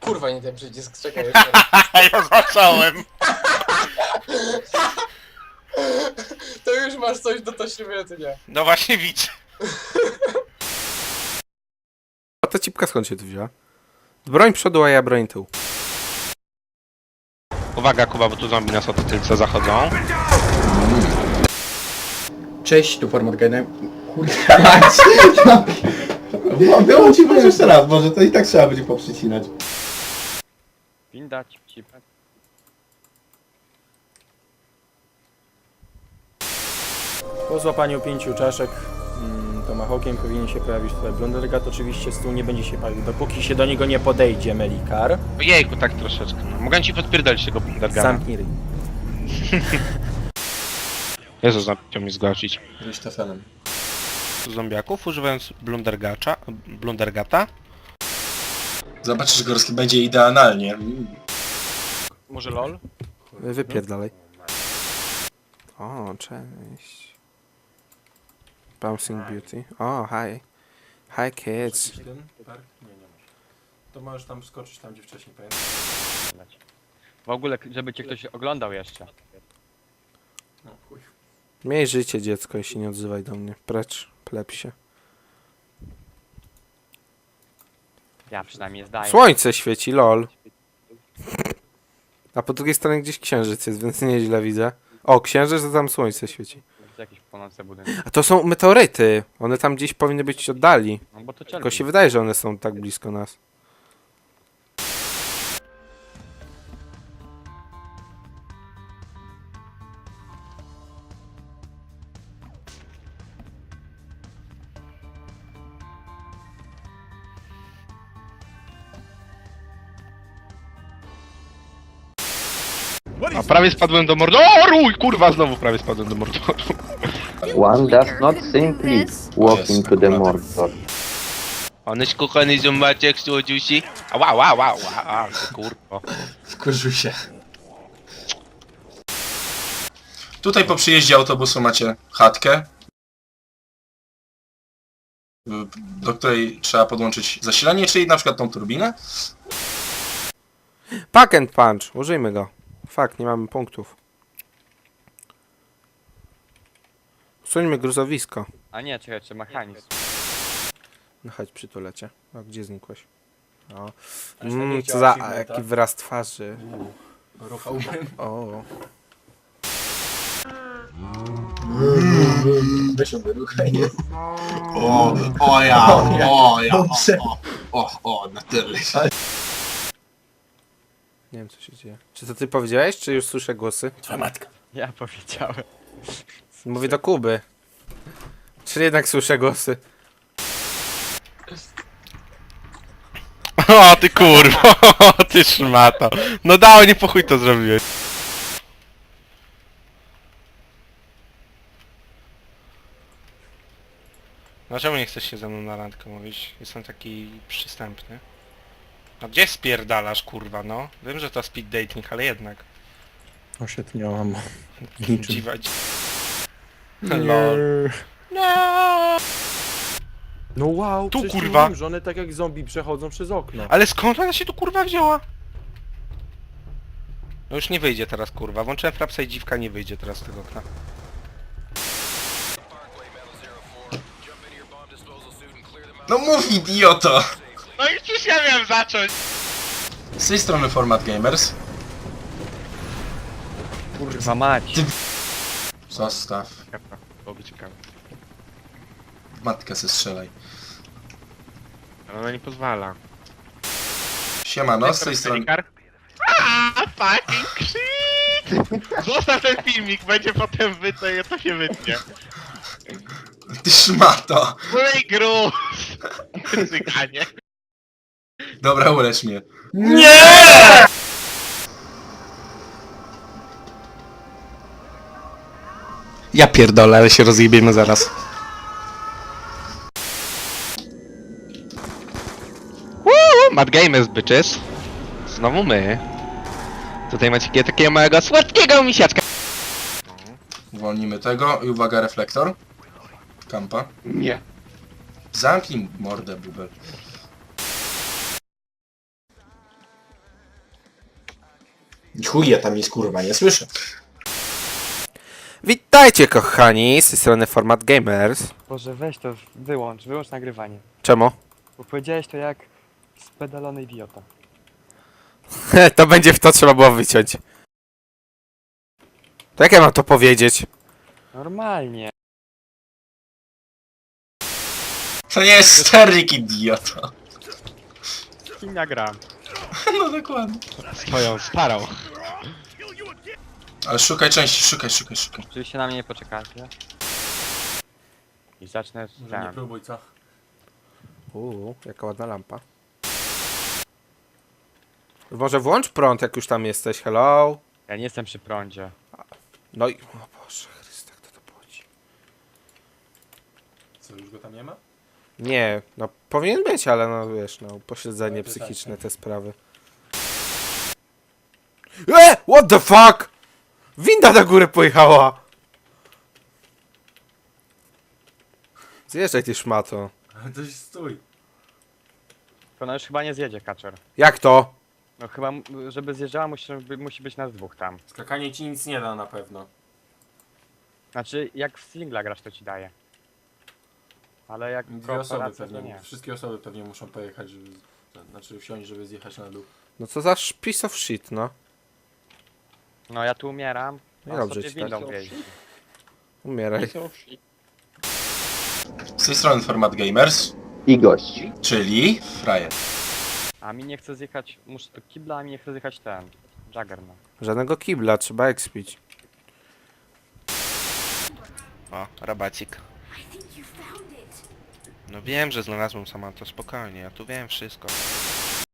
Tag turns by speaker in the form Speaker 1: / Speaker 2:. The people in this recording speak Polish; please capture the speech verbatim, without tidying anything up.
Speaker 1: kurwa, nie ten przycisk, czekaj jeszcze.
Speaker 2: Ja zacząłem.
Speaker 1: To już masz coś do toświecenia.
Speaker 2: No właśnie widzę.
Speaker 3: A ta cipka skąd się tu wzięła? Broń przodu, a ja broń tył.
Speaker 2: Uwaga Kuba, bo tu zombie nas od tylca zachodzą.
Speaker 1: Cześć, tu Format Gainem.
Speaker 4: Kurwa mać! No, było ci może jeszcze raz, może to i tak trzeba będzie poprzycinać.
Speaker 5: Winda, cip, cip.
Speaker 6: Po złapaniu pięciu czaszek mm, tomahawkiem powinien się pojawić tutaj Blundergat. Oczywiście stół nie będzie się palił, dopóki się do niego nie podejdzie Melikar.
Speaker 2: Ojejku, tak troszeczkę. No. Mogę ci podpierdolić tego Blundergana.
Speaker 6: Zamknij ryj.
Speaker 2: Jezu, chciał mnie zgłosić.
Speaker 4: Richtofenem.
Speaker 2: Zombiaków używając Blundergacza, Blundergata.
Speaker 4: Zobaczysz, Gorski, będzie idealnie.
Speaker 5: Może lol?
Speaker 3: Wypierdalaj. O, cześć. Bouncing Beauty. O, hi. Hi kids.
Speaker 6: Nie, nie masz. To możesz tam skoczyć tam, gdzie wcześniej pamiętam.
Speaker 5: W ogóle, żeby cię ktoś oglądał jeszcze.
Speaker 6: No chuj.
Speaker 3: Miej życie, dziecko, i się nie odzywaj do mnie. Precz, plepsie.
Speaker 5: Ja przynajmniej zdaję.
Speaker 3: Słońce świeci, lol. A po drugiej stronie gdzieś księżyc jest, więc nieźle widzę. O, księżyc, to tam słońce świeci.
Speaker 5: To jakieś płonące budynki.
Speaker 3: A to są meteoryty. One tam gdzieś powinny być oddali.
Speaker 5: No bo to cię
Speaker 3: Tylko się wydaje, że one są tak blisko nas.
Speaker 2: A prawie spadłem do mordoru! Kurwa, znowu prawie spadłem do mordoru.
Speaker 7: One does not simply walk into the Mordor.
Speaker 2: Onyś kochany zombaczek, słodziusi. A wow, wow, wow, wow, kurwa.
Speaker 4: Wkurzył się. Tutaj po przyjeździe autobusu macie chatkę, do której trzeba podłączyć zasilanie, czyli na przykład tą turbinę.
Speaker 3: Pack and punch. Użyjmy go. Fakt, nie mamy punktów. Usuńmy gruzowisko.
Speaker 5: A nie, czekaj, czy mechanizm.
Speaker 3: No chodź, przytulę cię. A gdzie znikłeś? O.
Speaker 6: Aż tak
Speaker 3: Mm,
Speaker 6: nie
Speaker 3: co
Speaker 6: chciała
Speaker 3: za
Speaker 6: achievementa.
Speaker 3: jaki wyraz twarzy.
Speaker 6: Ruchałbym.
Speaker 3: O.
Speaker 4: Weź ją wyruchaj. O, o ja, o ja, o, o, o, na tyle.
Speaker 3: Nie wiem, co się dzieje. Czy to ty powiedziałeś, czy już słyszę głosy?
Speaker 6: Twoja matka.
Speaker 5: Ja powiedziałem.
Speaker 3: Mówię do Kuby. Czy jednak słyszę głosy?
Speaker 2: O ty kurwa, o ty szmato. No dało, nie po chuj to zrobiłeś. Dlaczego nie chcesz się ze mną na randkę mówić? Jestem taki przystępny. No gdzie spierdalasz kurwa, no? Wiem, że to speed dating, ale jednak.
Speaker 6: Osiedniałam.
Speaker 2: Dziwa... Lol.
Speaker 6: No wow,
Speaker 2: Tu,
Speaker 6: przecież
Speaker 2: kurwa.
Speaker 6: mówiłem, że one tak jak zombie przechodzą przez okno.
Speaker 2: Ale skąd ona się tu kurwa wzięła? No już nie wyjdzie teraz kurwa. Włączyłem frapsa i dziwka nie wyjdzie teraz z tego okna.
Speaker 4: No mów, idioto!
Speaker 2: No i przecież ja miałem zacząć!
Speaker 4: Z tej strony Format Gamers.
Speaker 5: Kurwa mać.
Speaker 4: Zostaw.
Speaker 2: Dobra, byłoby ciekawe.
Speaker 4: Matkę se strzelaj.
Speaker 2: Ale ona nie pozwala.
Speaker 4: Siemano, z tej strony...
Speaker 2: Aaaa, fucking shit! Zostaw ten filmik, będzie potem wytnie, to się wytnie.
Speaker 4: Ty szmato!
Speaker 2: Byłej gruz! Cyganie.
Speaker 4: Dobra, ulecz mnie.
Speaker 3: Ja pierdolę, ale się rozjebiemy zaraz.
Speaker 2: Mad Gamers, bitches. Znowu my. Tutaj macie takiego małego słodkiego misiaczka.
Speaker 4: Uwolnimy tego i uwaga, reflektor. Kampa.
Speaker 2: Nie.
Speaker 4: Zamknij mordę, bubel. I chuj, ja tam nic kurwa nie słyszę.
Speaker 3: Witajcie kochani, z tej strony Format Gamers.
Speaker 5: Boże, weź to, wyłącz, wyłącz nagrywanie.
Speaker 3: Czemu?
Speaker 5: Bo powiedziałeś to jak spedalony idiota.
Speaker 3: To będzie w to trzeba było wyciąć. To jak ja mam to powiedzieć?
Speaker 5: Normalnie.
Speaker 4: To nie jest Sterling, idiota.
Speaker 5: Z kim ja gram?
Speaker 4: No dokładnie.
Speaker 2: Swoją starą.
Speaker 4: Ale szukaj części, szukaj, szukaj, szukaj.
Speaker 5: Oczywiście na mnie nie poczekacie. I zacznę
Speaker 6: Może nie
Speaker 5: ten.
Speaker 6: próbuj, co?
Speaker 3: Uuu, jaka ładna lampa. Może włącz prąd, jak już tam jesteś, hello?
Speaker 5: Ja nie jestem przy prądzie.
Speaker 3: No i... O Boże Chryste, kto to płaci?
Speaker 6: Co, już go tam nie ma?
Speaker 3: Nie, no powinien być, ale no wiesz, no pośledzenie
Speaker 6: Ale to
Speaker 3: psychiczne,
Speaker 6: tak,
Speaker 3: te sprawy. E! What the fuck? Winda na górę pojechała! Zjeżdżaj ty szmato.
Speaker 6: Ale to jest stój.
Speaker 5: To ona już chyba nie zjedzie, Kaczor.
Speaker 3: Jak to?
Speaker 5: No chyba, m- żeby zjeżdżała, musi, musi być nas dwóch tam.
Speaker 6: Skakanie ci nic nie da na pewno.
Speaker 5: Znaczy, jak w singla grasz, to ci daje. Ale jak
Speaker 6: Dwie osoby
Speaker 5: kooperacja, to
Speaker 6: pewnie,
Speaker 5: nie.
Speaker 6: wszystkie osoby pewnie muszą pojechać, żeby... Znaczy wsiąść, żeby zjechać na dół.
Speaker 3: No co za sh- piece of shit, no.
Speaker 5: No ja tu umieram.
Speaker 3: No
Speaker 5: a
Speaker 3: dobrze
Speaker 5: sobie
Speaker 3: ci tak.
Speaker 5: windą wjeździ.
Speaker 3: Umieraj.
Speaker 4: Z tej strony Format Gamers,
Speaker 7: I gość.
Speaker 4: czyli frajer.
Speaker 5: A mi nie chce zjechać, muszę do kibla, a mi nie chce zjechać ten. Juggernaut.
Speaker 3: Żadnego kibla, trzeba expić.
Speaker 2: O, rabacik. No wiem, że znalazłem sama to spokojnie, ja tu wiem wszystko.